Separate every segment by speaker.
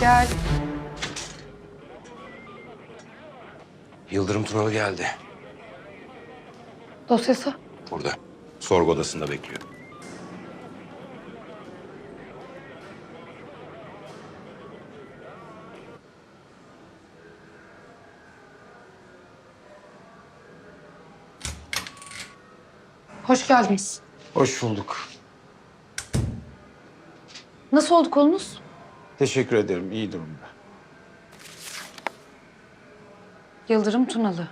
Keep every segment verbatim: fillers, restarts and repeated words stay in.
Speaker 1: Gel.
Speaker 2: Yıldırım Tunalı geldi.
Speaker 1: Dosyası.
Speaker 2: Burada. Sorgu odasında bekliyor.
Speaker 1: Hoş geldiniz.
Speaker 3: Hoş bulduk.
Speaker 1: Nasıl oldu kolunuz?
Speaker 3: Teşekkür ederim. İyi durumda.
Speaker 1: Yıldırım Tunalı.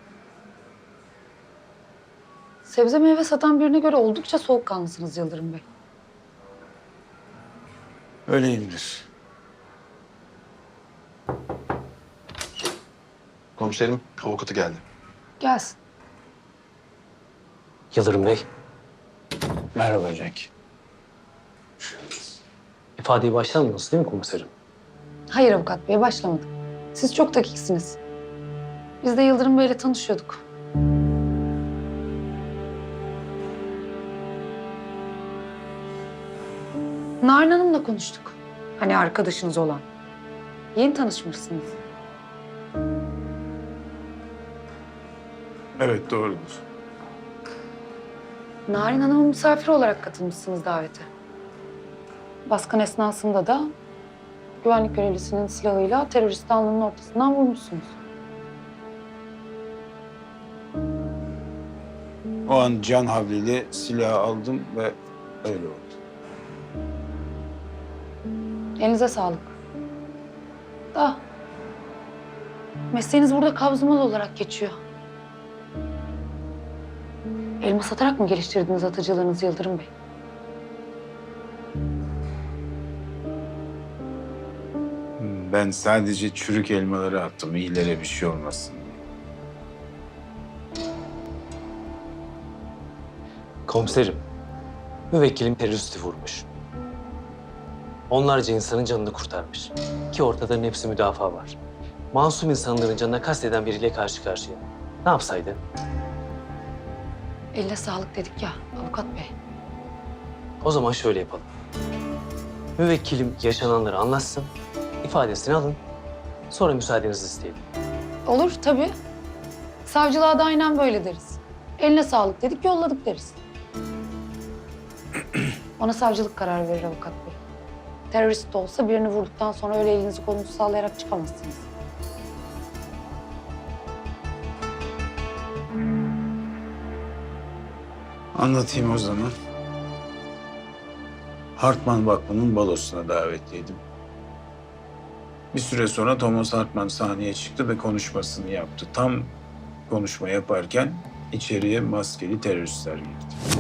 Speaker 1: Sebze meyve satan birine göre oldukça soğukkanlısınız Yıldırım Bey.
Speaker 3: Öyleyimdir.
Speaker 4: Komiserim, avukatı geldi.
Speaker 1: Gelsin.
Speaker 5: Yıldırım Bey,
Speaker 3: Merhaba Cenk.
Speaker 5: ifadeye başlamıyorsunuz değil mi komiserim?
Speaker 1: Hayır avukat bey, başlamadık. Siz çok dakiksiniz. Biz de Yıldırım Bey'le tanışıyorduk. Narin Hanım'la konuştuk. Hani arkadaşınız olan. Yeni tanışmışsınız.
Speaker 3: Evet, doğrudur.
Speaker 1: Narin Hanım'ın misafiri olarak katılmışsınız davete. Baskın esnasında da güvenlik görevlisinin silahıyla teröristi alnının ortasından vurmuşsunuz.
Speaker 3: O an can havliyle silahı aldım ve öyle oldu.
Speaker 1: Elinize sağlık. Da mesleğiniz burada kabzımalı olarak geçiyor. Elma satarak mı geliştirdiniz atıcılığınızı Yıldırım Bey?
Speaker 3: Ben sadece çürük elmaları attım. İyilere bir şey olmasın diye.
Speaker 5: Komiserim, müvekkilim teröristi vurmuş. Onlarca insanın canını kurtarmış. Ki ortadan hepsi müdafaa var. Masum insanların canına kasteden biriyle karşı karşıya. Ne yapsaydı?
Speaker 1: Elle sağlık dedik ya avukat bey.
Speaker 5: O zaman şöyle yapalım. Müvekkilim yaşananları anlatsın, ifadesini alın. Sonra müsaadenizi isteyelim.
Speaker 1: Olur tabii. Savcılığa da aynen böyle deriz. Eline sağlık dedik, yolladık deriz. Ona savcılık kararı verir avukat bey. Terörist de olsa birini vurduktan sonra öyle elinizi kolunuzu sallayarak çıkamazsınız.
Speaker 3: Anlatayım o zaman. Hartman Vakfı'nın balosuna davetliydim. Bir süre sonra Thomas Hartman sahneye çıktı ve konuşmasını yaptı. Tam konuşma yaparken içeriye maskeli teröristler girdi.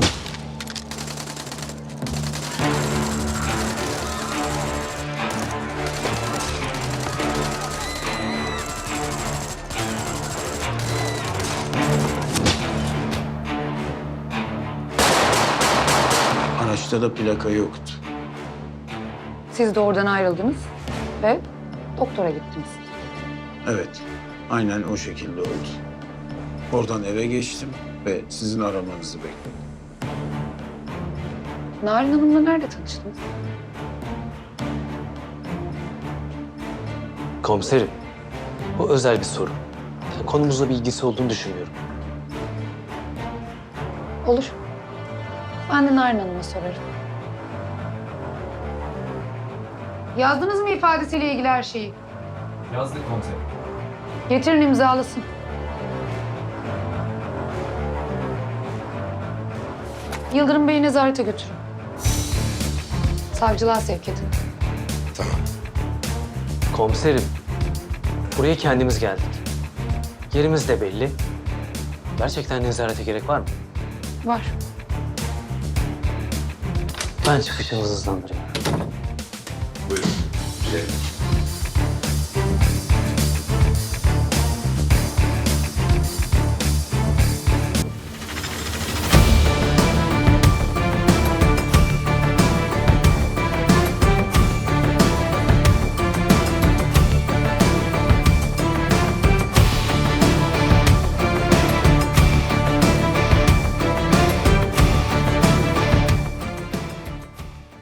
Speaker 3: Araçta da plaka yoktu.
Speaker 1: Siz de oradan ayrıldınız ve doktora gittiniz.
Speaker 3: Evet, aynen o şekilde oldu. Oradan eve geçtim ve sizin aramanızı bekledim.
Speaker 1: Narin Hanım'la nerede tanıştınız?
Speaker 5: Komiserim, bu özel bir soru. Yani konumuzla bir ilgisi olduğunu düşünmüyorum.
Speaker 1: Olur. Ben de Narin Hanım'a sorarım. Yazdınız mı ifadesiyle ilgili her şeyi?
Speaker 6: Yazdık komiserim.
Speaker 1: Getirin imzalasın. Yıldırım Bey'i nezarete götürün. Savcılığa sevk edin.
Speaker 2: Tamam.
Speaker 5: Komiserim, buraya kendimiz geldik. Yerimiz de belli. Gerçekten nezarete gerek var mı?
Speaker 1: Var.
Speaker 5: Ben çıkışınızı hızlandırayım.